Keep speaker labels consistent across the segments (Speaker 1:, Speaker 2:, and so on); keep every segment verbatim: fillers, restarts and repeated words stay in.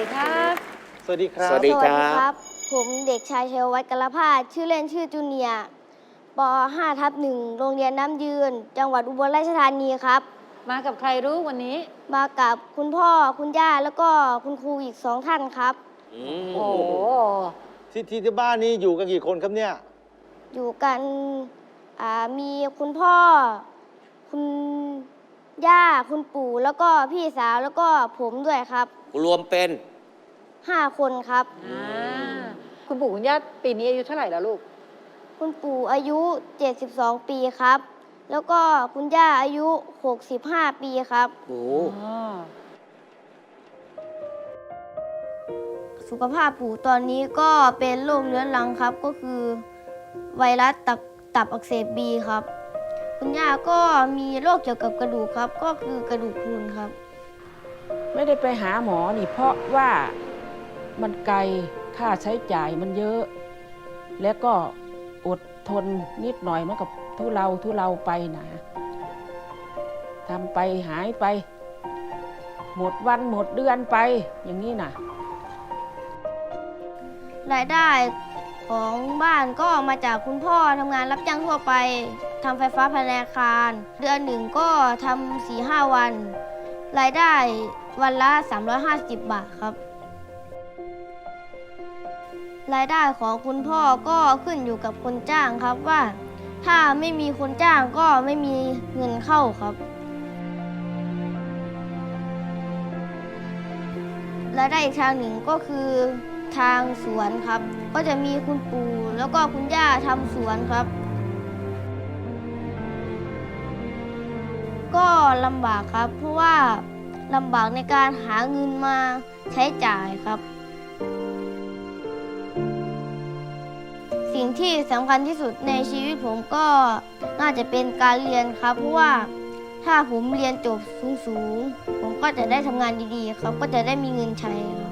Speaker 1: ดีครับ
Speaker 2: สวัสดีครับ
Speaker 3: สวัสดีครับ
Speaker 4: ผมเด็กชายชัยวัฒน์กลพาสชื่อเล่นชื่อจูเนียร์ป ห้า ทับหนึ่งโรงเรียนน้ำยืน จังหวัดอุบลราชธานีครับ
Speaker 1: มากับใครรู้วันนี้
Speaker 4: มากับคุณพ่อคุณย่าแล้วก็คุณครูอีกสองท่านครับ
Speaker 3: อืม
Speaker 1: โอ้โห
Speaker 2: ที่ที่ที่บ้านนี้อยู่กันกี่คนครับเนี่ย
Speaker 4: อยู่กันอ่ามีคุณพ่อ คุณย่าคุณปู่แล้วก็พี่สาวแล้วก็ผมด้วยครับ
Speaker 3: รวมเป็น
Speaker 4: ห้าคนครับ
Speaker 1: อ่า คุณปู่คุณย่าปีนี้อายุเท่าไหร่แล้วลูก
Speaker 4: คุณปู่อายุ เจ็ดสิบสอง ปีครับ แล้วก็คุณย่าอายุ หกสิบห้า ปีครับ
Speaker 3: โอ้
Speaker 1: อ๋อ
Speaker 4: สุขภาพปู่ตอนนี้ก็เป็นโรคเรื้อรังครับ ก็คือไวรัสตับตับอักเสบบีครับ คุณย่าก็มีโรคเกี่ยวกับกระดูกครับ ก็คือกระดูกพรุนครับ
Speaker 5: ไม่ได้ไปหาหมอนี่เพราะว่ามันไกลค่าใช้จ่ายมันเยอะ แล้วก็อดทนนิดหน่อยมันกับทุเลาทุเลาไปนะทำไปหายไป หมดวันหมดเดือนไปอย่างนี้นะ
Speaker 4: รายได้ของบ้านก็มาจากคุณพ่อทำงานรับจ้างทั่วไปทำไฟฟ้าภายในอาคาร เดือนหนึ่งก็ทำ สี่ห้า วัน รายได้วันละ สามร้อยห้าสิบ บาทครับ รายได้ของคุณพ่อก็ขึ้นอยู่กับคนจ้างครับว่า ถ้าไม่มีคนจ้างก็ไม่มีเงินเข้าครับ รายได้อีกทางหนึ่งก็คือทางสวนครับ ก็จะมีคุณปู่แล้วก็คุณย่าทำสวนครับ ก็ลำบากครับ เพราะว่าลำบากในการหาเงินมาใช้จ่ายครับ สิ่งที่สำคัญที่สุดในชีวิตผมก็น่าจะเป็นการเรียนครับ เพราะว่าถ้าผมเรียนจบสูงๆผมก็จะได้ทำงานดีๆครับ ก็จะได้มีเงินใช้ครับ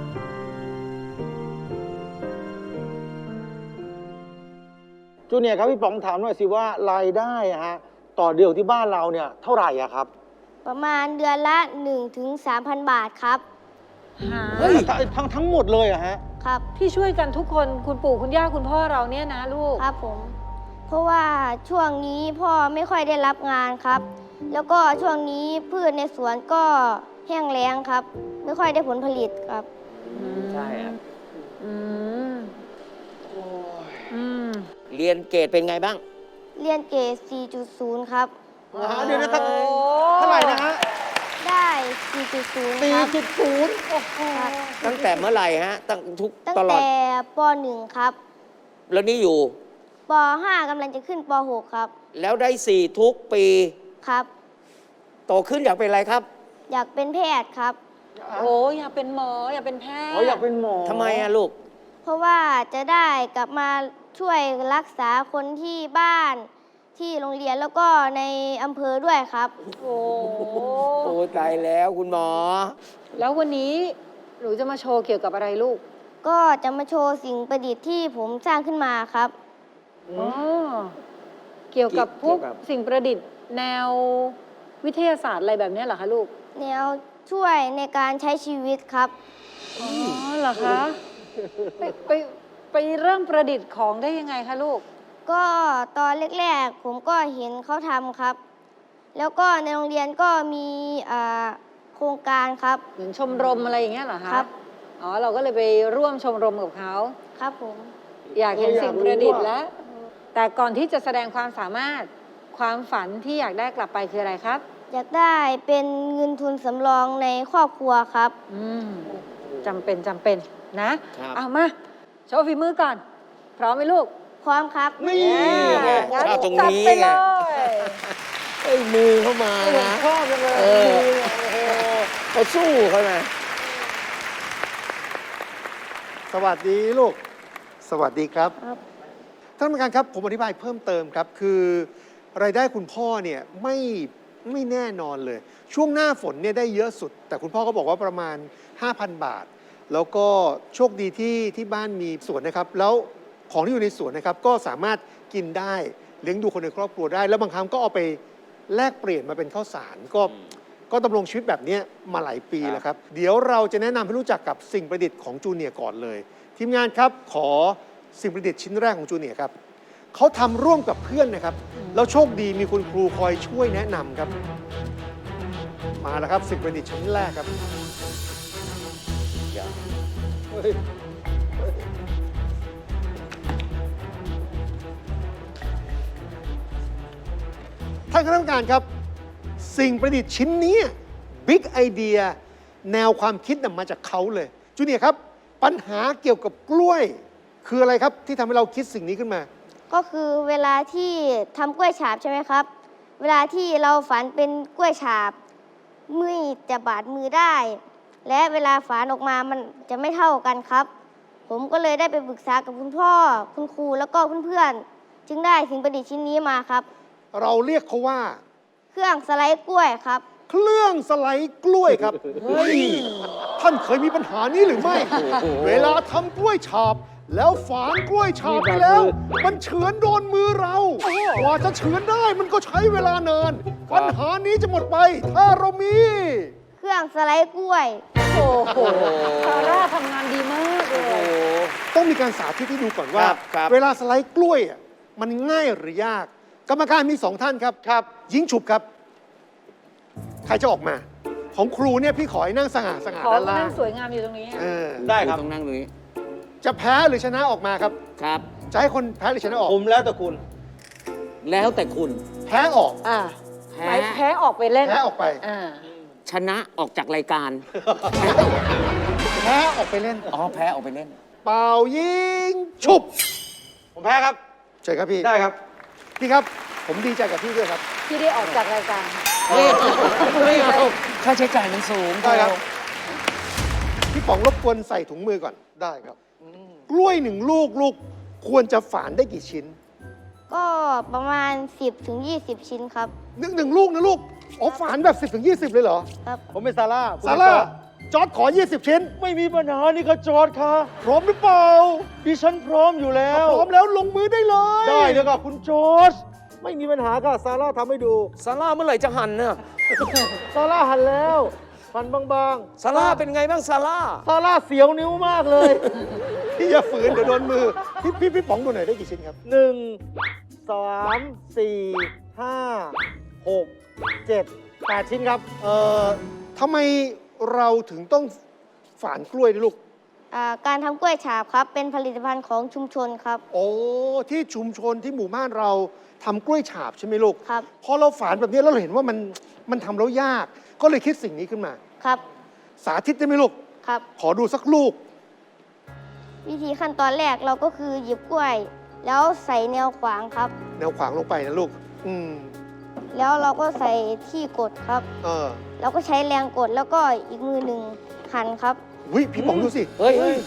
Speaker 2: จูเนียร์ครับพี่ป๋องถามหน่อยสิว่ารายได้อะฮะต่อเดือนที่บ้านเราเนี่ยเท่าไหร่อะครับ
Speaker 4: ประมาณเดือนละ หนึ่งถึงสามพัน บาทครับ
Speaker 1: หา
Speaker 2: เฮ้ยทั้งทั้งหมดเลยอะฮะ
Speaker 4: ครับ
Speaker 1: ที่ช่วยกันทุกคนคุณปู่คุณย่าคุณพ่อเราเนี่ยนะลูก
Speaker 4: ครับผม เพราะว่าช่วงนี้พ่อไม่ค่อยได้รับงานครับ แล้วก็ช่วงนี้พืชในสวนก็แห้งแล้งครับ ไม่ค่อยได้ผลผลิตครับ
Speaker 3: ใช่ครับ
Speaker 1: อืมอืม
Speaker 3: เรียนเกรดเป็นไงบ้าง
Speaker 4: เรียนเกรด สี่จุดศูนย์ ครับ
Speaker 2: อ่าเดี๋ยวนะครับเท่าไหร่นะฮะ
Speaker 4: ได้ สี่จุดศูนย์
Speaker 2: สี่
Speaker 4: ครับ
Speaker 2: จุดศูนย์
Speaker 4: ครับ
Speaker 3: ตั้งแต่เมื่อไหร่ฮะ ตั้งทุก
Speaker 4: ตั้ง
Speaker 3: ตลอด
Speaker 4: แต่ป หนึ่ง ครับ
Speaker 3: แล้วนี่อยู่
Speaker 4: ป ห้า กำลังจะขึ้นป หก ครับ
Speaker 3: แล้วได้สี่ทุกปี
Speaker 4: ครับ
Speaker 3: โตขึ้นอยากเป็นอะไรครับ
Speaker 4: อยากเป็นแพทย์ครับ
Speaker 1: โอ้อยากเป็นหมออยากเป็นแพทย์
Speaker 2: อ๋ออยากเป็นหมอ
Speaker 3: ทำไมอะลูก
Speaker 4: เพราะว่าจะได้กลับมาช่วยรักษาคนที่บ้านที่โรงเรียนแล้วก็ในอำเภอด้วยครับ
Speaker 1: โอ้
Speaker 3: โอ้ตายแล้วคุณหมอ
Speaker 1: แล้ววันนี้หนูจะมาโชว์เกี่ยวกับอะไรลูก
Speaker 4: ก็จะมาโชว์สิ่งประดิษฐ์ที่ผมสร้างขึ้นมาครับ
Speaker 1: อ๋อ เกี่ยวกับพวก
Speaker 3: เกี่ยวกับ
Speaker 1: สิ่งประดิษฐ์แนววิทยาศาสตร์อะไรแบบนี้เหรอคะลูก
Speaker 4: แนวช่วยในการใช้ชีวิตครับ
Speaker 1: อ๋อเหรอคะ ไปไปไปเริ่มประดิษฐ์ของได้ยังไงคะลูก
Speaker 4: ก็ตอนแรกๆผมก็เห็นเขาทำครับ แล้วก็ในโรงเรียนก็มีอ่าโครงการครับ
Speaker 1: เหมือนชมรมอะไรอย่างเงี้ยเหรอคะ
Speaker 4: ครับ
Speaker 1: อ๋อ เราก็เลยไปร่วมชมรมกับเขา
Speaker 4: ครับผม
Speaker 1: อยากเห็นสิ่งประดิษฐ์แล้ว แต่ก่อนที่จะแสดงความสามารถความฝันที่อยากได้กลับไปคืออะไรครับ
Speaker 4: อยากได้เป็นเงินทุนสำรองในครอบครัวครับ
Speaker 1: อืมจำเป็นจำเป็นนะ
Speaker 3: ครับ
Speaker 1: เอามา โชว์ฝีมือก่อน พร้อมไหมลูก
Speaker 4: พร้อมครับ
Speaker 2: นี่
Speaker 3: ไง
Speaker 1: งั้น
Speaker 3: ชอบตรง
Speaker 1: จัด
Speaker 3: นี้
Speaker 1: ไป
Speaker 3: ไง
Speaker 1: เลย
Speaker 3: ไอ้มือเข้ามานะ
Speaker 1: ชอบจังเลย
Speaker 3: เออ เขาสู้เขานะ
Speaker 6: สวัสดีลูก สวัสดีครับ
Speaker 4: ครับ
Speaker 6: ท่านผู้การครับผมอธิบายเพิ่มเติมครับ คือรายได้คุณพ่อเนี่ยไม่ไม่แน่นอนเลย ช่วงหน้าฝนเนี่ยได้เยอะสุด แต่คุณพ่อก็บอกว่าประมาณ ห้าพัน บาท แล้วก็โชคดีที่ที่บ้านมีสวนนะครับ แล้วของที่อยู่ในสวนนะครับก็สามารถกินได้เลี้ยงดูคนในครอบครัวได้ แล้วบางครั้งก็เอาไปแลกเปลี่ยนมาเป็นข้าวสารก็ก็ดำรงชีวิตแบบเนี้ยมาหลายปีแล้วครับ เดี๋ยวเราจะแนะนำให้รู้จักกับสิ่งประดิษฐ์ของจูเนียร์ก่อนเลย ทีมงานครับขอสิ่งประดิษฐ์ชิ้นแรกของจูเนียร์ครับเขาทำร่วมกับเพื่อนนะครับแล้วโชคดีมีคุณครูคอยช่วยแนะนำครับ มาแล้วครับสิ่งประดิษฐ์ชิ้นแรกครับ ท่านคณะกรรมการครับ สิ่งประดิษฐ์ชิ้นนี้บิ๊กไอเดียแนวความคิดนำมาจากเขาเลยจูเนียร์ครับ ปัญหาเกี่ยวกับกล้วย คืออะไรครับที่ทำให้เราคิดสิ่งนี้ขึ้นมา
Speaker 4: ก็คือเวลาที่ทำกล้วยฉาบใช่ไหมครับ เวลาที่เราฝันเป็นกล้วยฉาบมือจะบาดมือได้ และเวลาฝานออกมามันจะไม่เท่ากันครับ ผมก็เลยได้ไปปรึกษากับคุณพ่อ คุณครูแล้วก็เพื่อนๆจึงได้สิ่งประดิษฐ์ชิ้นนี้มาครับ
Speaker 6: เราเรียกเขาว่า
Speaker 4: เครื่องสไลด์กล้วยครับ
Speaker 6: เครื่องสไลด์กล้วยครับเฮ้ยท่านเคยมีปัญหานี้หรือไม่ เวลาทำกล้วยฉาบ แล้วฝานกล้วยฉาบไปแล้ว มันเฉือนโดนมือเรากว่าจะเฉือนได้มันก็ใช้เวลานานปัญหานี้จะหมดไป ถ้าเรามี
Speaker 4: เครื่องสไลด์กล้วย
Speaker 1: โอ้โหซาร่าทำงานดีมากเลย
Speaker 6: ต้องมีการสาธิตให้ดูก่อนว่า
Speaker 3: ครับครับ
Speaker 6: เวลาสไลด์กล้วยอ่ะมันง่ายหรือยาก กรรมการมีสองท่านครับครับ ยิงฉุบครับ ใครจะออกมา ของครูเนี่ยพี่ขอให้นั่งสง่าสง่า
Speaker 1: ขอ
Speaker 6: ด้านล่า
Speaker 1: นั่
Speaker 6: ง
Speaker 1: งสวยงามอยู่ตรงนี้
Speaker 6: เออ
Speaker 2: ได้ครับ
Speaker 3: ต้องนั่งตรงนี้
Speaker 6: จะแพ้หรือชนะออกมาครับ
Speaker 3: ครับ
Speaker 6: จะให้คนแพ้หรือชนะออก
Speaker 2: ผมแล้วแต่คุณ
Speaker 3: แล้วแต่คุณ
Speaker 6: แพ้ออก
Speaker 1: อ่า
Speaker 3: แพ้
Speaker 1: ไปแพ้ออกไปเล่น
Speaker 6: แพ้ออกไป
Speaker 1: อ่า
Speaker 3: ชนะออกจากรายการ
Speaker 6: แพ้ออกไปเล่น
Speaker 3: อ๋อแพ้ออกไปเล่น
Speaker 6: เป่ายิงฉุบ
Speaker 2: ผมแพ้ครับ
Speaker 6: เชิญครับพี่
Speaker 2: ได้ครับ
Speaker 6: พี่ครับ ผมดีใจกับพี่ด้วยครับ
Speaker 1: ที่ได้ออกจากรายการ
Speaker 3: ไม่เอาค่าใช้จ่ายมันสูง
Speaker 6: ได้ครับ พี่ป๋องรบกวนใส่ถุงมือก่อน ได้ครับ กล้วยหนึ่งลูกลูกควรจะฝานได้กี่ชิ้น
Speaker 4: ก็ประมาณ สิบถึงยี่สิบ ชิ้นครับ
Speaker 6: หนึ่งหนึ่งลูกนะลูก อ๋อฝานแบบ สิบถึงยี่สิบ เลยเหรอ
Speaker 4: ครับ
Speaker 2: ผมเป็นซาร่าคุณ
Speaker 6: ซา
Speaker 2: เป็น
Speaker 6: ร่า
Speaker 2: จอร์จ
Speaker 6: จอร์ดขอ ยี่สิบ ชิ้น
Speaker 2: ไม่มีปัญหานี่ก็จอร์ดค่ะ
Speaker 6: พร้อมหรือเปล่า
Speaker 2: ดิฉันพร้อมอยู่แล้ว
Speaker 6: พร้อมแล้วลงมือได้เลย
Speaker 2: ได้เลยค่ะคุณจอร์จไม่มีปัญหาค่ะซาร่าทำให้ดู
Speaker 3: ซาร่าเมื่อไหร่จะหันเนี่ย
Speaker 2: ซาร่าหันแล้วฟันบาง
Speaker 3: ซาร่าเป็นไงบ้างซาร่า
Speaker 2: ๆซาร่าเสียวนิ้วมากเลย
Speaker 6: พี่อย่าฝืนเดี๋ยวโดนมือ พี่พี่พี่ป๋องดูหน่อยได้กี่ชิ้นครับ
Speaker 2: หนึ่งสามสี่ห้าหกเจ็ดแปดชิ้นครับ
Speaker 6: เอ่อทำไมเราถึงต้องฝานกล้วยด้วยลูก
Speaker 4: อ่าการทำกล้วยฉาบครับ เป็นผลิตภัณฑ์ของชุมชนครับ
Speaker 6: โอ้ ที่ชุมชนที่หมู่บ้านเราทำกล้วยฉาบใช่ไหมลูก
Speaker 4: ครับ
Speaker 6: พอเราฝานแบบนี้แล้วเราเห็นว่ามันมันทำแล้วยาก ก็เลยคิดสิ่งนี้ขึ้นมา
Speaker 4: ครับ
Speaker 6: สาธิตได้ไหมลูก
Speaker 4: ครับ
Speaker 6: ขอดูสักลูก
Speaker 4: วิธีขั้นตอนแรกเราก็คือหยิบกล้วย แล้วใส่แนวขวางครับ
Speaker 6: แนวขวางลงไปนะลูก อืม
Speaker 4: แล้วเราก็ใส่ที่กดครับ
Speaker 6: เออ
Speaker 4: แล้วก็ใช้แรงกดแล้วก็อีกมือหนึ่งหันครับ
Speaker 6: วิพี่ป๋องดูสิ
Speaker 3: เฮ้ย เฮ้ย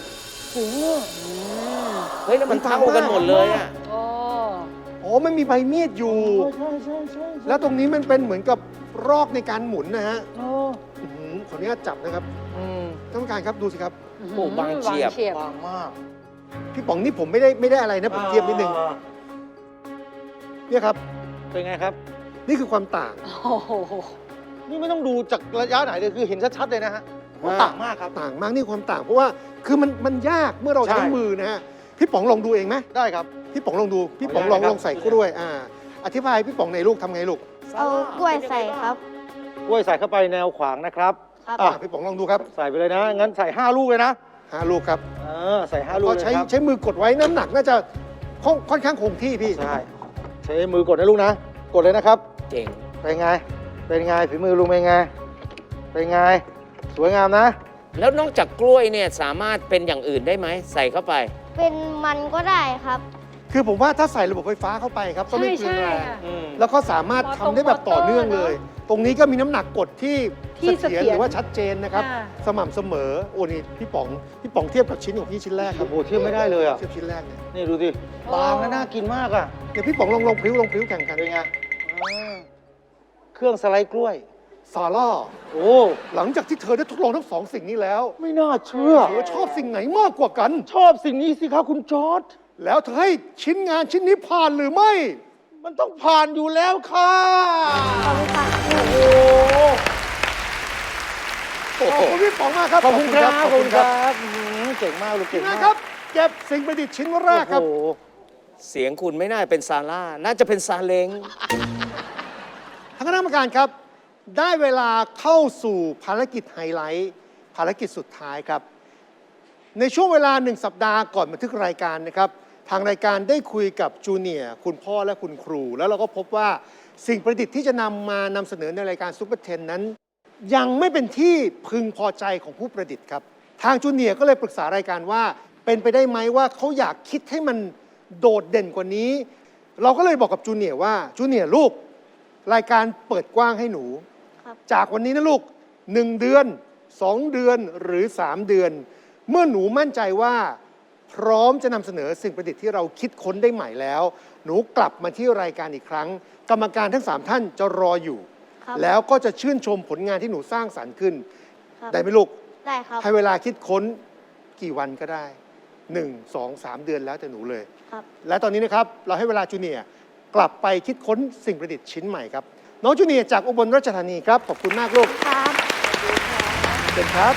Speaker 3: เฮ้ย แล้วมันเท่ากันหมดเลยอ่ะ
Speaker 1: โอ้
Speaker 6: อ๋อมันมีใบมีดอยู่ แล้วตรงนี้มันเป็นเหมือนกับรอกในการหมุนนะฮะอื้อหือขออนุญาตจับนะครับ
Speaker 3: อืม
Speaker 6: ท่านผู้การครับดูสิครับ
Speaker 3: โอ้บางเฉียบ
Speaker 1: บางเฉียบ
Speaker 2: บางมาก
Speaker 6: พี่ป๋องนี่ผมไม่ได้ไม่ได้อะไรนะผมเทียบนิดนึง
Speaker 2: อ่า
Speaker 6: เนี่ยครับ
Speaker 2: เป็นไงครับ
Speaker 6: นี่คือความต่าง
Speaker 1: โอ้โห
Speaker 2: นี่ไม่ต้องดูจากระยะไหนเลยคือเห็นชัดๆเลยนะฮะว่าต่างมากครับ
Speaker 6: ต่างมากนี่ความต่าง เพราะว่าคือมันมันยากเมื่อเรา
Speaker 2: ใช่
Speaker 6: ใช้มือนะฮะพี่ป๋องลองดูเองไหม
Speaker 2: ได้ครับ
Speaker 6: พี่ป๋องลองดูพี่ป๋องลอง
Speaker 2: ขออนุญาตนะครับ
Speaker 6: ลองใส่กล้วยอ่าอธิบายพี่ป๋องในอยลูกทำไงลูก
Speaker 4: เอากล้วยใส่ครับ
Speaker 2: กล้วยใส่เข้าไปแนวขวางนะครับ
Speaker 4: ครับ
Speaker 6: อ่าพี่ป๋องลองดูครับ
Speaker 2: ใส่ไปเลยนะ งั้นใส่ห้าลูกเลยนะ
Speaker 6: ห้าลูกครับ
Speaker 2: เออใส่ห้าลูก
Speaker 6: ก็
Speaker 2: เลย
Speaker 6: ใช้
Speaker 2: ครับ
Speaker 6: ใช้มือกดไว้น้ำหนักน่าจะค่อนค่อนข้างคงที่พี่
Speaker 2: ใช่ใช้มือกดนะลูกนะ กดเลยนะครับ
Speaker 3: เจ๋ง
Speaker 2: เป็นไง เป็นไงฝีมือลุงเป็นไง เป็นไง สวยงามนะ
Speaker 3: แล้วนอกจากกล้วยเนี่ยสามารถเป็นอย่างอื่นได้ไหม ใส่เข้าไป
Speaker 4: เป็นมันก็ได้ครับ
Speaker 6: คือผมว่าถ้าใส่ระบบไฟฟ้าเข้าไปครับก็
Speaker 1: ใช่
Speaker 6: ไม่เปลือง
Speaker 1: ใช่
Speaker 6: แรง
Speaker 1: ค่ะ
Speaker 2: อืม
Speaker 6: แล้วก็สามารถทำได้แบบต่อเนื่องเลย ตรงนี้ก็มีน้ำหนักกดที่
Speaker 1: ที่
Speaker 6: เสถียร
Speaker 1: เสถียร
Speaker 6: หรือว่าชัดเจนนะครับ
Speaker 1: ค่ะ
Speaker 6: สม่ำเสมอ โอ้นี่พี่ป๋อง พี่ป๋องเทียบกับชิ้นของพี่ชิ้นแรกครั
Speaker 2: โอ้
Speaker 6: บ
Speaker 2: โหเทียบไม่ได้เลยอ่ะ
Speaker 6: เทียบชิ้นแรกเนี่ย
Speaker 2: นี่ดูดิ บางและน่ากินมากอ่ะ
Speaker 6: เดี๋ยวพี่ป๋องลองลองพลิ้วลองพลิ้วแข่งกัน
Speaker 2: เป็นไงอ่าเครื่องสไลด์กล้วย
Speaker 6: ซาร่า
Speaker 2: โอ้
Speaker 6: หลังจากที่เธอได้ทดลองทั้งสองสิ่งนี้แล้ว
Speaker 2: ไม่น่าเชื่อ
Speaker 6: เธอชอบสิ่งไหนมากกว่ากัน
Speaker 2: ชอบสิ่งนี้สิครับคุณจอร์ด
Speaker 6: แล้วเธอให้ชิ้นงานชิ้นนี้ผ่านหรือไม่
Speaker 2: มันต้องผ่านอยู่แล้วค่ะ
Speaker 4: ขอบคุณค่ะ
Speaker 2: โอ้โห
Speaker 6: ขอบคุณพี่ป๋องมากครับ
Speaker 2: ขอบคุณครับขอบคุณค
Speaker 6: บ
Speaker 2: รับอื้อหือเก่งมากลูก
Speaker 6: ที
Speaker 2: เก่
Speaker 6: ม
Speaker 2: ง
Speaker 6: งาน
Speaker 2: มาก
Speaker 6: ครับเก็บสิ่งประดิษฐ์ชิ้นแรกครับ
Speaker 2: โอ้โห
Speaker 3: เสียงคุณไม่น่าเป็นซาร่า น่าจะเป็นซาเล้ง
Speaker 6: ทางคณะกรรมการครับ ได้เวลาเข้าสู่ภารกิจไฮไลท์ ภารกิจสุดท้ายครับ ในช่วงเวลาหนึ่งสัปดาห์ก่อนบันทึกรายการนะครับ ทางรายการได้คุยกับจูเนียร์คุณพ่อและคุณครู แล้วเราก็พบว่าสิ่งประดิษฐ์ที่จะนำมานำเสนอในรายการซุปเปอร์เทนนั้น ยังไม่เป็นที่พึงพอใจของผู้ประดิษฐ์ครับ ทางจูเนียร์ก็เลยปรึกษารายการว่า เป็นไปได้ไหมว่าเขาอยากคิดให้มันโดดเด่นกว่านี้ เราก็เลยบอกกับจูเนียร์ว่าจูเนียร์ลูก รายการเปิดกว้างให้หนู
Speaker 4: ครับ
Speaker 6: จากวันนี้นะลูกหนึ่งเดือนสองเดือนหรือสามเดือน เมื่อหนูมั่นใจว่า พร้อมจะนำเสนอสิ่งประดิษฐ์ที่เราคิดค้นได้ใหม่แล้ว หนูกลับมาที่รายการอีกครั้ง กรรมการทั้งสามท่านจะรออยู่
Speaker 4: ครับ
Speaker 6: แล้วก็จะชื่นชมผลงานที่หนูสร้างสรรค์ขึ้น
Speaker 4: ครับ
Speaker 6: ได้ไหมลูก
Speaker 4: ได้ครับ
Speaker 6: ให้เวลาคิดค้นกี่วันก็ได้หนึ่ง สอง สามเดือนแล้วแต่หนูเลย
Speaker 4: ครับ
Speaker 6: และตอนนี้นะครับ เราให้เวลาจูเนียร์กลับไปคิดค้นสิ่งประดิษฐ์ชิ้นใหม่ครับ น้องจูเนียร์จากอุบลราชธานีครับ ขอบคุณมากลูก
Speaker 4: ครับ
Speaker 6: เชิญครับ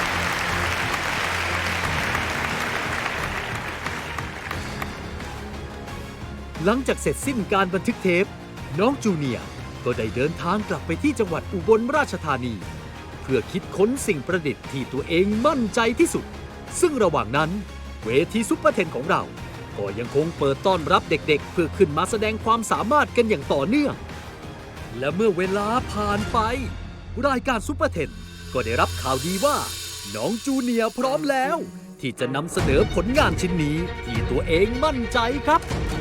Speaker 7: หลังจากเสร็จสิ้นการบันทึกเทป น้องจูเนียร์ก็ได้เดินทางกลับไปที่จังหวัดอุบลราชธานี เพื่อคิดค้นสิ่งประดิษฐ์ที่ตัวเองมั่นใจที่สุด ซึ่งระหว่างนั้น เวทีซุปเปอร์เทนของเรา ก็ยังคงเปิดต้อนรับเด็กๆ เพื่อขึ้นมาแสดงความสามารถกันอย่างต่อเนื่อง และเมื่อเวลาผ่านไป รายการซุปเปอร์เทนก็ได้รับข่าวดีว่า น้องจูเนียร์พร้อมแล้ว ที่จะนำเสนอผลงานชิ้นนี้ที่ตัวเองมั่นใจครับ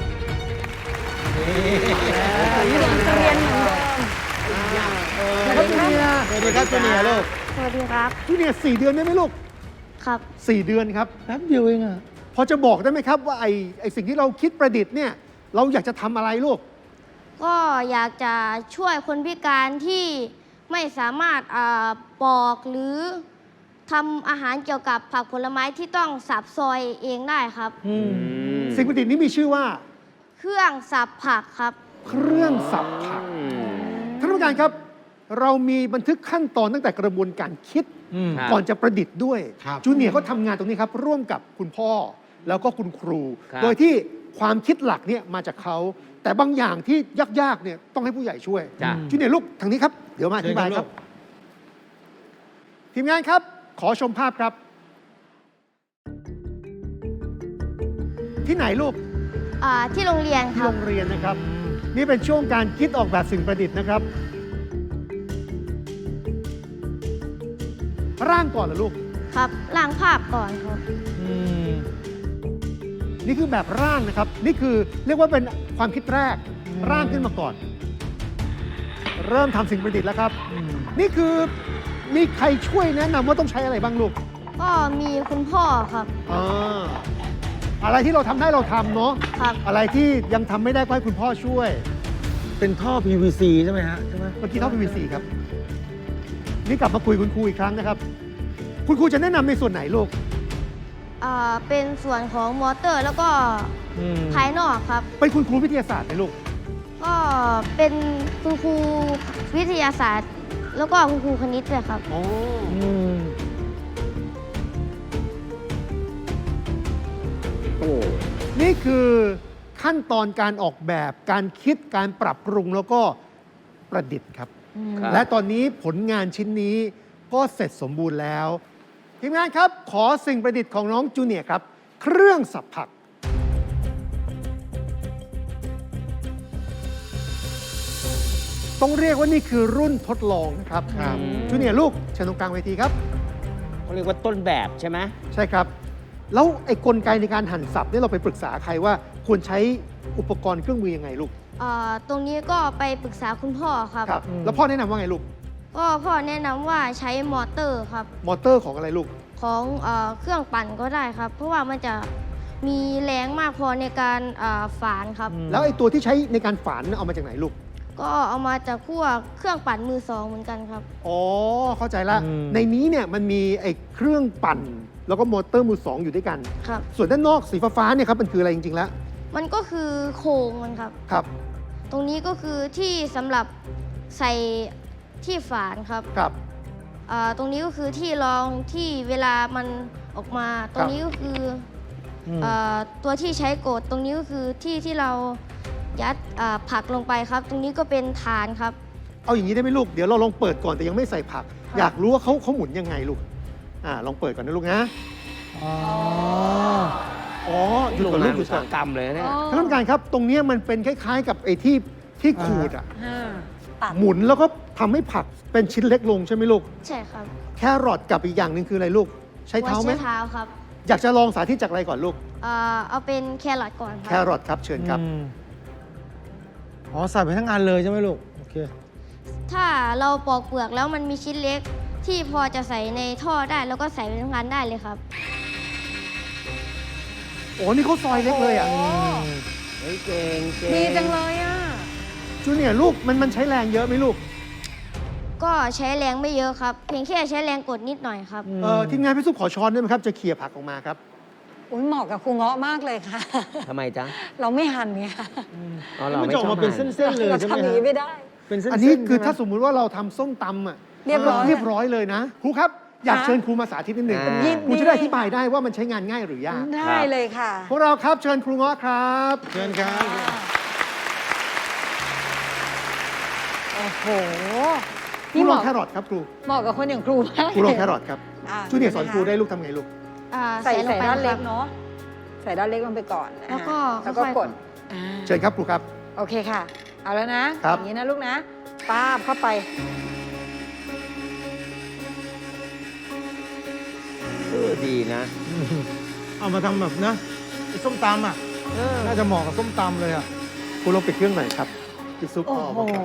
Speaker 1: จะเรียนเหมือนเดิม
Speaker 6: สวัสดีครับจูเนียร์สวัสดีครับจูเนียร์ลูก
Speaker 4: สวัสดีครับ
Speaker 6: จูเนียร์สี่เดือนได้ไหมลูก
Speaker 4: ครับ
Speaker 6: สี่เดือนครับ
Speaker 2: แป๊บเดียวเองอะ
Speaker 6: พอจะบอกได้ไหมครับว่าไอ้ไอ้สิ่งที่เราคิดประดิษฐ์เนี่ยเราอยากจะทำอะไรลูก
Speaker 4: ก็อยากจะช่วยคนพิการที่ไม่สามารถอ่าปอกหรือทำอาหารเกี่ยวกับผักผลไม้ที่ต้องสับซอยเองได้ครับ
Speaker 6: สิ่งประดิษฐ์นี้มีชื่อว่า
Speaker 4: เครื่องสับผักครับ
Speaker 6: เครื่องสับผักท่านผู้การครับ เรามีบันทึกขั้นตอนตั้งแต่กระบวนการคิด
Speaker 2: อืม
Speaker 3: ครับ
Speaker 6: ก่อนจะประดิษฐ์ด้วย
Speaker 2: ครับ
Speaker 6: จูเนียร์ก็ทำงานตรงนี้ครับ ร่วมกับคุณพ่อแล้วก็คุณครู
Speaker 3: ครับ
Speaker 6: โดยที่ความคิดหลักเนี่ยมาจากเขา แต่บางอย่างที่ยากๆเนี่ยต้องให้ผู้ใหญ่ช่วย
Speaker 3: จ้ะ
Speaker 6: จูเนียร์ลูกทางนี้ครับ เดี๋ยวมาอธิบายครับ ทีมงานครับ ขอชมภาพครับ ที่ไหนลูก
Speaker 4: อ่าที่โรงเรียนค
Speaker 6: ที่
Speaker 4: รั
Speaker 6: โร
Speaker 4: บ
Speaker 6: งเรียนนะครับ นี่เป็นช่วงการคิดออกแบบสิ่งประดิษฐ์นะครับ ร่างก่อนเหรอลูก
Speaker 4: ครับล้างภาพก่อนครับ
Speaker 2: อืม
Speaker 6: นี่คือแบบร่างนะครับ นี่คือเรียกว่าเป็นความคิดแรก ร่างขึ้นมาก่อน เริ่มทำสิ่งประดิษฐ์แล้วครับ นี่คือมีใครช่วยแนะนำว่าต้องใช้อะไรบ้างลูก
Speaker 4: ก็มีคุณพ่อครับ
Speaker 6: อ่าอะไรที่เราทำได้เราทำเนาะ
Speaker 4: ครับ
Speaker 6: อะไรที่ยังทำไม่ได้ก็ให้คุณพ่อช่วย
Speaker 2: เป็นท่อ พี วี ซี ใช่ไหมฮะใช่ไหม
Speaker 6: เมื่อกี้ท่อ พี วี ซี ครับ นี่กลับมาคุยคุณครูอีกครั้งนะครับ คุณครูจะแนะนำในส่วนไหนลูก
Speaker 4: อ่าเป็นส่วนของมอเตอร์แล้วก็
Speaker 2: อืม
Speaker 4: ภายนอกครับ
Speaker 6: เป็นคุณครูวิทยาศาสตร์ไหมลูก
Speaker 4: ก็เป็นคุณครูวิทยาศาสตร์ แล้วก็คุณครูคณิตด้วยครับ
Speaker 6: อ๋อ
Speaker 2: อืม
Speaker 3: โอ้
Speaker 6: นี่คือขั้นตอนการออกแบบการคิดการปรับปรุงแล้วก็ประดิษฐ์ครับ
Speaker 3: ครับ
Speaker 6: และตอนนี้ผลงานชิ้นนี้ก็เสร็จสมบูรณ์แล้ว ทีมงานครับ ขอสิ่งประดิษฐ์ของน้องจูเนียร์ครับ เครื่องสับผัก ต้องเรียกว่านี่คือรุ่นทดลองนะครับ
Speaker 2: ครับ
Speaker 6: จูเนียร์ลูกเชิญตรงกลางเวทีครับ
Speaker 3: เขาเรียกว่าต้นแบบใช่ไหม
Speaker 6: ใช่ครับ แล้วไอ้กลไกในการหั่นสับเนี่ยเราไปปรึกษาใครว่าควรใช้อุปกรณ์เครื่องมือยังไงลูก
Speaker 4: อ่าตรงนี้ก็ไปปรึกษาคุณพ่อครับ
Speaker 6: ครับ แล้วพ่อแนะนำว่าไงลูก
Speaker 4: ก็พ่อแนะนำว่าใช้มอเตอร์ครับ
Speaker 6: มอเตอร์ของอะไรลูก
Speaker 4: ของเออเครื่องปั่นก็ได้ครับ เพราะว่ามันจะมีแรงมากพอในการอ่าฝานครับ
Speaker 6: แล้วไอ้ตัวที่ใช้ในการฝานเนี่ยเอามาจากไหนลูก
Speaker 4: ก็เอามาจากพวกเครื่องปั่นมือสองเหมือนกันครับ
Speaker 6: อ๋อ เข้าใจละ
Speaker 2: อืม
Speaker 6: ในนี้เนี่ยมันมีไอ้เครื่องปั่น แล้วก็มอเตอร์มือสองอยู่ด้วยกัน
Speaker 4: ครับ
Speaker 6: ส่วนด้านนอกสีฟ้าๆเนี่ยครับมันคืออะไรจริงๆแล้ว
Speaker 4: มันก็คือโครงมันครับ
Speaker 6: ครับ
Speaker 4: ตรงนี้ก็คือที่สำหรับใส่ที่ฝานครับ
Speaker 6: ครับ
Speaker 4: ออ่าตรงนี้ก็คือที่รองที่เวลามันออกมา ตรงนี้ก็คือ
Speaker 2: อืม
Speaker 4: อ่าตัวที่ใช้กด ตรงนี้ก็คือที่ที่เรายัดอ่าผักลงไปครับ ตรงนี้ก็เป็นฐานครับ
Speaker 6: เอาอย่างนี้ได้ไหมลูก เดี๋ยวเราลองเปิดก่อนแต่ยังไม่ใส่ผัก อยากรู้ว่าเขาเขาหมุนยังไงลูก อ่าลองเปิดก่อนนะลูกนะ
Speaker 2: อ๋อ
Speaker 6: อ๋อหยุด
Speaker 3: โรง
Speaker 6: ก่อน
Speaker 3: งา
Speaker 6: ลู
Speaker 3: น
Speaker 6: กหยุ
Speaker 3: อุ
Speaker 6: ด
Speaker 3: ต
Speaker 6: ก่
Speaker 3: สา
Speaker 6: อน
Speaker 3: หกรรมเลยเนี่ย
Speaker 6: ท่านผู้การครับ ตรงเนี้ยมันเป็นคล้ายๆ กับไอ้ที่ที่ขูดอ่ะ
Speaker 1: อ่าตัด
Speaker 6: หมุนแล้วก็ทำให้ผักเป็นชิ้นเล็กลงใช่ไหมลูก
Speaker 4: ใช่ครับ
Speaker 6: แครอทกับอีกอย่างหนึ่งคืออะไรลูก ใช้เท้าไหม
Speaker 4: ใช้เท้าครับ
Speaker 6: อยากจะลองสาธิตจากอะไรก่อนลูก
Speaker 4: อ่าเอาเป็นแครอทก่อนค
Speaker 6: แครับ รอทครับเชิญครับ
Speaker 2: อืมอ๋อใส่ไปทั้งอันเลยใช่ไหมลูก โอเค
Speaker 4: ถ้าเราปอกเปลือกแล้วมันมีชิ้นเล็กที่พอจะใส่ในท่อได้แล้วก็ใส่ไปทั้งอันได้เลยครับ
Speaker 6: โอ้นี่เขาซอยเล็กเลยอ่ะ
Speaker 1: โ
Speaker 3: เฮ้ยเก่งเก่ง
Speaker 1: ดีจังเลยอ่ะ
Speaker 6: จูเนียร์ลูกมันมันใช้แรงเยอะไหมลูก
Speaker 4: ก็ใช้แรงไม่เยอะครับ เพียงแค่ใช้แรงกดนิดหน่อยครับ
Speaker 6: เออทีมงานพี่ซุปขอช้อนได้ไหมครับ จะเขี่ยผักออกมาครับ
Speaker 1: อุ้ยเหมาะกับครูเงาะมากเลยค่ะ
Speaker 3: ทำไมจ๊ะ
Speaker 1: เราไม่หั่นไง
Speaker 3: อ๋อเรา
Speaker 2: มัน
Speaker 3: ไม่
Speaker 2: จะอ
Speaker 3: ช
Speaker 2: อก
Speaker 3: อบ
Speaker 2: มาเป็น
Speaker 3: หั่น
Speaker 2: เส้นๆเลย
Speaker 1: เรา
Speaker 2: ใช่ไหม
Speaker 1: ทำอย่าง
Speaker 2: ฮะ
Speaker 1: นี้ไม่ได้
Speaker 2: เป็นเส้นๆ
Speaker 6: อันนี้คือ
Speaker 2: ใช่ไหม
Speaker 6: ถ้าสมมุติว่าเราทำส้มตำอ่ะ
Speaker 1: เรียบร้อย
Speaker 6: เรียบร้อยเลยนะ ครูครับ อยาก
Speaker 1: ค่ะ
Speaker 6: เชิญครูมาสาธิตนิดหนึ่ง
Speaker 3: อ่า
Speaker 6: ครูจะได้อธิบายได้ว่ามันใช้งานง่ายหรือยาก
Speaker 1: ได้เลยค่ะ
Speaker 6: พวกเราครับเชิญครูเงาะครับ
Speaker 2: เชิญครับ
Speaker 1: โอ้โห
Speaker 6: ครูลองแครอทครับครู
Speaker 1: เหมาะกับคนอย่างครูมาก
Speaker 6: ครูลองแครอทครับ
Speaker 1: อ่ะ
Speaker 6: จูเนียร์สอนครูได้ลูกทำไงลูก
Speaker 4: อ่า
Speaker 1: ใส่
Speaker 4: ล
Speaker 1: ใส่
Speaker 4: งไป
Speaker 1: ด้านเล็ก
Speaker 4: ครับ
Speaker 1: เนาะ ใส่ด้านเล็กลงไปก่อน
Speaker 4: แล้วก็
Speaker 1: อ่ะแล้วก็
Speaker 4: ค่อยๆ
Speaker 1: กดอ่า
Speaker 6: เชิญครับครูครับ
Speaker 1: โอเคค่ะ เอาแล้วนะครับ อย่างนี้นะลูกนะป้าบเข้าไป
Speaker 3: เออดีนะ
Speaker 2: เอามาทำแบบนะไอ้ส้มตำอ่ะน่าจะเหมาะกับส้มตำเลยอ่ะ
Speaker 6: ครูลองปิดเครื่องหน่อยครับพี่ซุป
Speaker 1: โอ้
Speaker 6: เอา
Speaker 1: โห
Speaker 6: มาครับ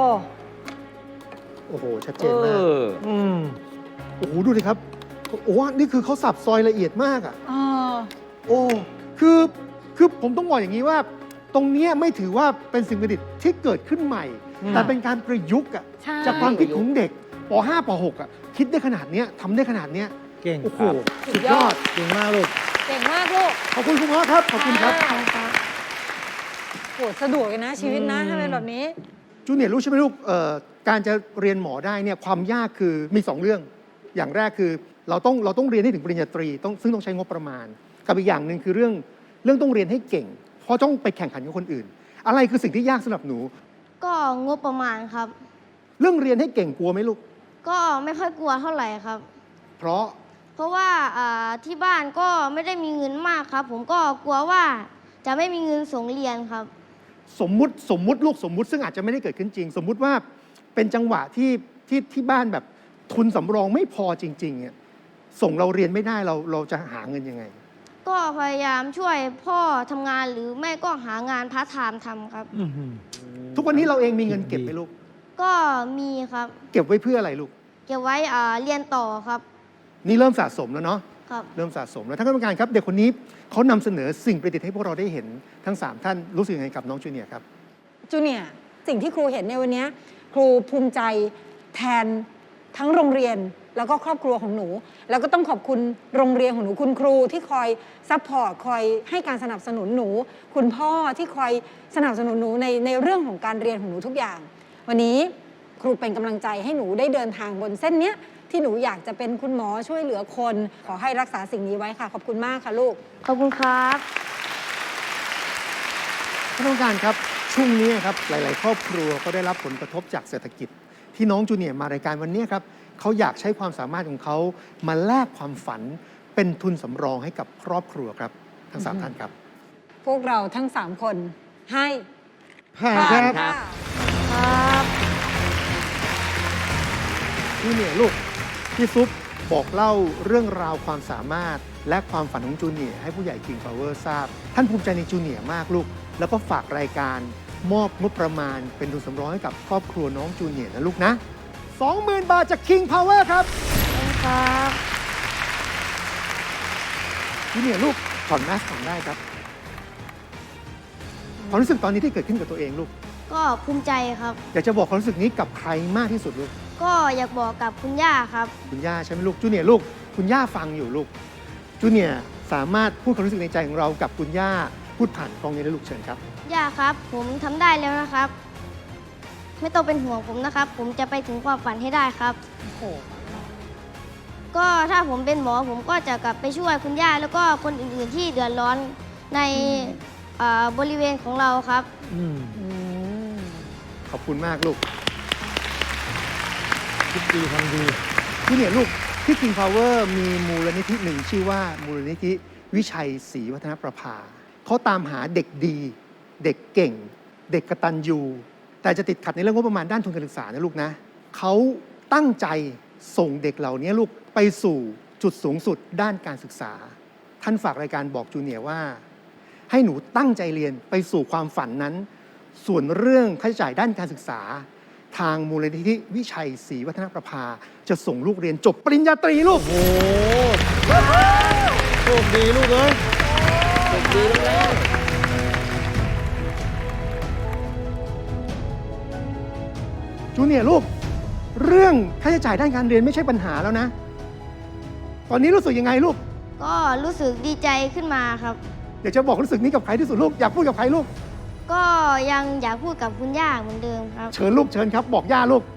Speaker 6: โอ้โห ชัดเจ
Speaker 3: เอน
Speaker 6: มาก
Speaker 3: อ
Speaker 2: อืม
Speaker 6: โอ้โห ดูดิครับ โอ้โหนี่คือเขาสับซอยละเอียดมากอ่ะ
Speaker 1: อ่า
Speaker 6: โอ้ คือ คือผมต้องบอกอย่างนี้ว่า ตรงเนี้ยไม่ถือว่าเป็นสิ่งประดิษฐ์ที่เกิดขึ้นใหม่
Speaker 2: อืม
Speaker 6: แต่เป็นการประยุกต์อ่ะ
Speaker 1: ใช่
Speaker 6: จากความคิดของเด็กป .ห้า ป .หก อ่ะ คิดได้ขนาดเนี้ยทำได้ขนาดเนี้ย
Speaker 2: เก่ง
Speaker 6: โอ้โห
Speaker 2: ครับ
Speaker 6: สุดยอด
Speaker 2: เก่งมากลูก
Speaker 1: เก่งมากลูก
Speaker 6: ขอบคุณคุณพ่อครับ ขอบคุณครับ
Speaker 1: ค่ะโหสะดวกเลยนะชีวิตนะ
Speaker 2: อืม
Speaker 1: ถ้าเป็นแบบนี้
Speaker 6: จูเนียร์รู้ใช่ไหมลูกเอ่อการจะเรียนหมอได้เนี่ยความยากคือมีสองเรื่อง อย่างแรกคือเราต้องเราต้องเรียนให้ถึงปริญญาตรีต้องซึ่งต้องใช้งบประมาณ กับอีกอย่างหนึ่งคือเรื่องเรื่องต้องเรียนให้เก่ง เพราะต้องไปแข่งขันกับคนอื่น อะไรคือสิ่งที่ยากสำหรับหนู
Speaker 4: ก็งบประมาณครับ
Speaker 6: เรื่องเรียนให้เก่งกลัวไหมลูก
Speaker 4: ก็ไม่ค่อยกลัวเท่าไหร่ครับ
Speaker 6: เพราะ
Speaker 4: เพราะว่าอ่าที่บ้านก็ไม่ได้มีเงินมากครับ ผมก็กลัวว่าจะไม่มีเงินส่งเรียนครับ
Speaker 6: สมมุติสมมุติลูกสมมุติซึ่งอาจจะไม่ได้เกิดขึ้นจริง สมมุติว่าเป็นจังหวะที่ที่ที่บ้านแบบทุนสำรองไม่พอจริงๆเนี่ยส่งเราเรียนไม่ได้เราเราจะหาเงินยังไง
Speaker 4: ก็พยายามช่วยพ่อทำงานหรือไม่ก็หางานพาร์ทไทม์ทำครับ
Speaker 2: อื้อหือ
Speaker 6: ทุกวันนี้เราเองมีเงินเก็บไหมลูก
Speaker 4: ก็มีครับ
Speaker 6: เก็บไว้เพื่ออะไรลูก
Speaker 4: เก็บไว้อ่าเรียนต่อครับ
Speaker 6: นี่เริ่มสะสมแล้วเนาะ
Speaker 4: ครับ
Speaker 6: เริ่มสะสมแล้วท่านกรรมการครับเด็กคนนี้เขานำเสนอสิ่งประดิษฐ์ให้พวกเราได้เห็นทั้งสามท่านรู้สึกยังไงกับน้องจูเนียร์ครับ
Speaker 1: จูเนียร์สิ่งที่ครูเห็นในวันนี้ครูภูมิใจแทนทั้งโรงเรียนแล้วก็ครอบครัวของหนู แล้วก็ต้องขอบคุณโรงเรียนของหนูคุณครูที่คอยซัพพอร์ตคอยให้การสนับสนุนหนู คุณพ่อที่คอยสนับสนุนหนูในในเรื่องของการเรียนของหนูทุกอย่าง วันนี้ครูเป็นกำลังใจให้หนูได้เดินทางบนเส้นเนี้ยที่หนูอยากจะเป็นคุณหมอช่วยเหลือคน ขอให้รักษาสิ่งนี้ไว้ค่ะขอบคุณมากค่ะลูก
Speaker 4: ขอบคุณครับ
Speaker 6: ท่านผู้การครับช่วงนี้ครับหลาย ๆ ครอบครัวก็ได้รับผลกระทบจากเศรษฐกิจ ที่น้องจูเนียร์มารายการวันนี้ครับเขาอยากใช้ความสามารถของเขามาแลกความฝันเป็นทุนสำรองให้กับครอบครัวครับทั้งสามท่านครับ
Speaker 1: พวกเราทั้งสามคนให้
Speaker 2: ผ่าน
Speaker 1: ผ่าน
Speaker 2: ครับ
Speaker 1: ค่ะ
Speaker 4: ครับ
Speaker 6: จูเนียร์ลูกพี่ซุปบอกเล่าเรื่องราวความสามารถและความฝันของจูเนียร์ให้ผู้ใหญ่ King Power ทราบ ท่านภูมิใจในจูเนียร์มากลูก แล้วก็ฝากรายการมอบงบประมาณเป็นทุนสำรองให้กับครอบครัวน้องจูเนียร์นะลูกนะ สองหมื่น บาทจาก King Power ครับ
Speaker 4: ครับ
Speaker 6: จูเนียร์ลูกถอดแมสก์ก่อนได้ครับความรู้สึกตอนนี้ที่เกิดขึ้นกับตัวเองลูก
Speaker 4: ก็ภูมิใจครับ
Speaker 6: อยากจะบอกความรู้สึกนี้กับใครมากที่สุดลูก
Speaker 4: ก็อยากบอกกับคุณย่าครับ
Speaker 6: คุณย่าใช่ไหมลูกจูเนียร์ลูกคุณย่าฟังอยู่ลูกจูเนียร์สามารถพูดความรู้สึกในใจของเรากับคุณย่าพูดผ่านกล้องนี้ได้ลูกเชิญครับ
Speaker 4: ย่าครับ ผมทำได้แล้วนะครับ ไม่ต้องเป็นห่วงผมนะครับ ผมจะไปถึงความฝันให้ได้ครับ
Speaker 1: โอ้โห
Speaker 4: ก็ถ้าผมเป็นหมอผมก็จะกลับไปช่วยคุณย่าแล้วก็คนอื่นๆที่เดือดร้อนในเอ่อบริเวณของเราครับ
Speaker 6: อืม
Speaker 1: อืม
Speaker 6: ขอบคุณมากลูก
Speaker 2: คิดดีทำดี
Speaker 6: ที่เนี่ยลูกที่ King Power มีมูลนิธิหนึ่งชื่อว่ามูลนิธิวิชัยศรีวัฒนประภาเขาตามหาเด็กดี เด็กเก่ง เด็กกตัญญูแต่จะติดขัดในเรื่องงบประมาณด้านทุนการศึกษานะลูกนะเขาตั้งใจส่งเด็กเหล่านี้ลูกไปสู่จุดสูงสุดด้านการศึกษา ท่านฝากรายการบอกจูเนียร์ว่า ให้หนูตั้งใจเรียนไปสู่ความฝันนั้น ส่วนเรื่องค่าใช้จ่ายด้านการศึกษา ทางมูลนิธิวิชัยศรีวัฒนประภาจะส่งลูกเรียนจบปริญญาตรีลูก
Speaker 2: โอ้โชคดีลูกเอ้ย
Speaker 3: ดีแล้ว
Speaker 6: จูเนียร์ลูก เรื่องค่าใช้จ่ายด้านการเรียนไม่ใช่ปัญหาแล้วนะ ตอนนี้รู้สึกยังไงลูก
Speaker 4: ก็รู้สึกดีใจขึ้นมาครับ
Speaker 6: อยากจะบอกรู้สึกนี้กับใครที่สุดลูก อยากพูดกับใครลูก
Speaker 4: ก็ยังอยากพูดกับคุณย่าเหมือนเดิมครับ
Speaker 6: เชิญลูกเชิญครับ บอกย่าลูก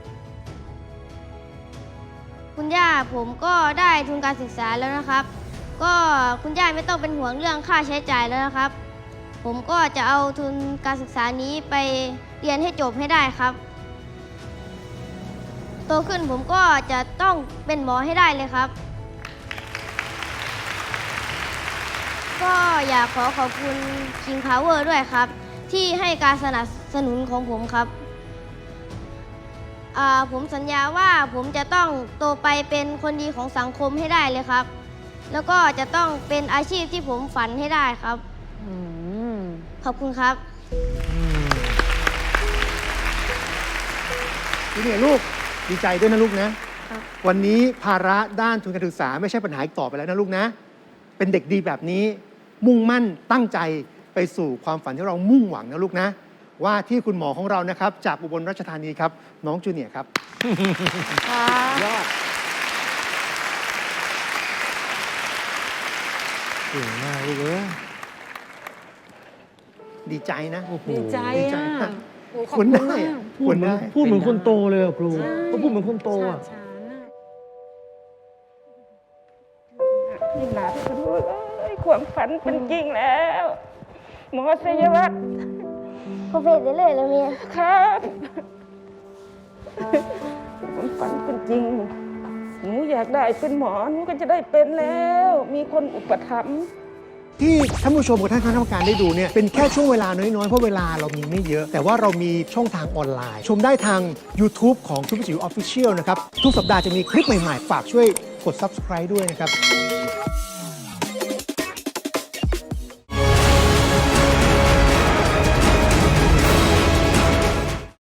Speaker 4: คุณย่าผมก็ได้ทุนการศึกษาแล้วนะครับ ก็คุณย่าไม่ต้องเป็นห่วงเรื่องค่าใช้จ่ายแล้วนะครับ ผมก็จะเอาทุนการศึกษานี้ไปเรียนให้จบให้ได้ครับโตขึ้นผมก็จะต้องเป็นหมอให้ได้เลยครับ ก็อยากขอขอบคุณ King Power ด้วยครับ ที่ให้การสนับสนุนของผมครับอ่าผมสัญญาว่าผมจะต้องโตไปเป็นคนดีของสังคมให้ได้เลยครับ แล้วก็จะต้องเป็นอาชีพที่ผมฝันให้ได้ครับ
Speaker 1: อืม
Speaker 4: ขอบคุณครับ
Speaker 6: จูเนียร์ลูกดีใจด้วยนะลูกนะ
Speaker 4: ครับ
Speaker 6: วันนี้ภาระด้านทุนการศึกษาไม่ใช่ปัญหาอีกต่อไปแล้วนะลูกนะ เป็นเด็กดีแบบนี้ มุ่งมั่นตั้งใจไปสู่ความฝันที่เรามุ่งหวังนะลูกนะ ว่าที่คุณหมอของเรานะครับ จากอุบลราชธานีครับ น้องจูเนียร์ครับ
Speaker 2: ยอดเก่งมากลูกเอ้ย
Speaker 6: ดีใจนะ
Speaker 2: โอ้โห
Speaker 1: ดีใจ
Speaker 6: ดีใจ
Speaker 1: อ่ะ
Speaker 6: มาก
Speaker 1: โอ้ขอบ
Speaker 6: คว
Speaker 1: คุ
Speaker 6: ร
Speaker 1: ณ
Speaker 6: ได้
Speaker 1: มาก
Speaker 6: อะ
Speaker 2: พูดเหมือนพูดเหมือนคนโตเลยอะครู
Speaker 1: ใช่
Speaker 2: เขาพูดเหมือนคนโตอะ
Speaker 1: ฉานๆอะ
Speaker 5: นี่หลานคุณลูกเอ้ยความฝันเป็นจริงแล้ว หมอชัยวัฒน์
Speaker 4: พอเฟสได้เลยแล้วเมีย
Speaker 5: ครับความฝันเป็นจริง หนูอยากได้เป็นหมอหนูก็จะได้เป็นแล้ว มีคนอุปถัมภ์
Speaker 6: ที่ท่านผู้ชมกับท่านคณะกรรมการได้ดูเนี่ยเป็นแค่ช่วงเวลาน้อย ๆ เพราะเวลาเรามีไม่เยอะ แต่ว่าเรามีช่องทางออนไลน์ ชมได้ทาง YouTube ของทุกจิ๋วออฟฟิเชียลนะครับ ทุกสัปดาห์จะมีคลิปใหม่ ๆ ฝากช่วยกด Subscribe ด้วยนะครับ